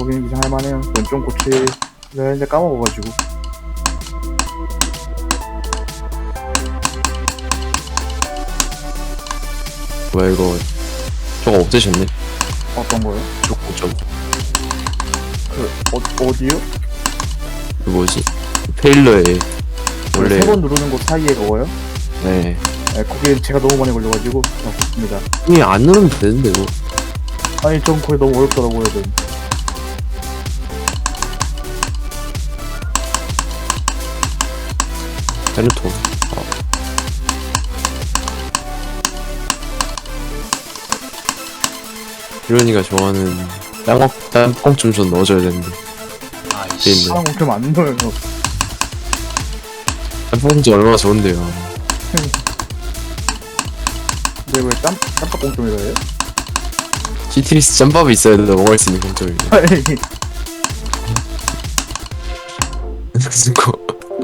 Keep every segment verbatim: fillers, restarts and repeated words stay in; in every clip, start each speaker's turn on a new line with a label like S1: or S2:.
S1: 거기는 이상 할만해요. 왼쪽 고치를 했는데 까먹어가지고.
S2: 뭐야 이거 저거 없애셨네.
S1: 어떤 거요?
S2: 저거 저거
S1: 그 어, 어디요?
S2: 그 뭐지 페일러에 원래
S1: 세 번 누르는 곳 사이에 그거요?
S2: 네
S1: 네, 거기에 제가 너무 많이 걸려가지고 없습니다.
S2: 이게 안 누르면 되는데 이거.
S1: 아니 전 거기 너무 어렵더라고요. 좀.
S2: 베르토 아. 이런이가 좋아하는 땅콩 땅콩 좀 좀 넣어줘야 되는데.
S3: 아이씨.
S2: 네.
S1: 사람 좀 안 넣어요.
S2: 땅콩지 얼마나 좋은데요.
S1: 근데 왜 짬, 짬밥 공점이래요?
S2: 시트리스 짬밥이 있어야 돼 먹을 수 있는 공점이.
S1: 아니
S2: 무슨 거.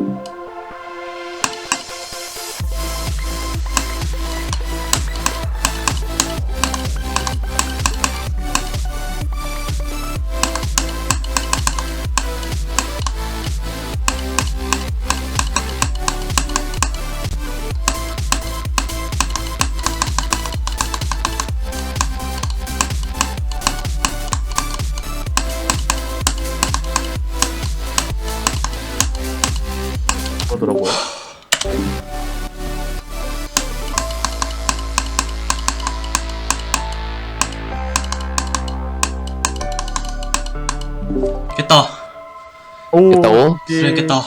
S1: 그러더라고요.
S3: 깼다.
S1: 오,
S2: 깼다고?
S3: 수련 깼다.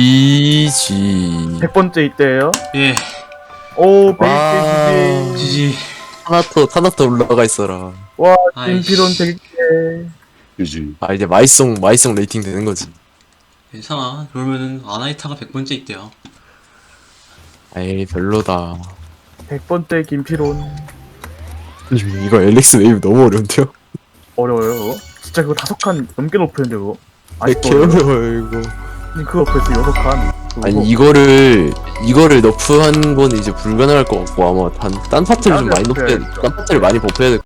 S2: 이지
S1: 백 번째 이때예요?
S3: 예.
S1: 오,
S2: 와.
S1: 백 개 지지.
S3: 지지.
S2: 하나더 하나더 올라가 있어라.
S1: 와,
S3: 아이씨.
S1: 김필원 백 개.
S2: 그지. 아 이제 마이송 마이송 레이팅 되는 거지.
S3: 괜찮아. 그러면은 아나이타가 백 번째 있대요.
S2: 에이 별로다.
S1: 백 번째 김필원.
S2: 이거 엘릭스 웨이브 너무 어려운데요?
S1: 어려워요, 그거? 진짜 그거 다섯 칸 넘게 높였는데, 그거?
S2: 아니
S1: 아직도
S2: 개
S1: 어려워요?
S2: 어려워요 이거.
S1: 아니, 그거 벌써 여섯 칸.
S2: 아니 이거를 이거를 너프한 건 이제 불가능할 것 같고 아마 단, 딴 파트를 좀 많이 높여야 딴 파트를 많이 버프해야 될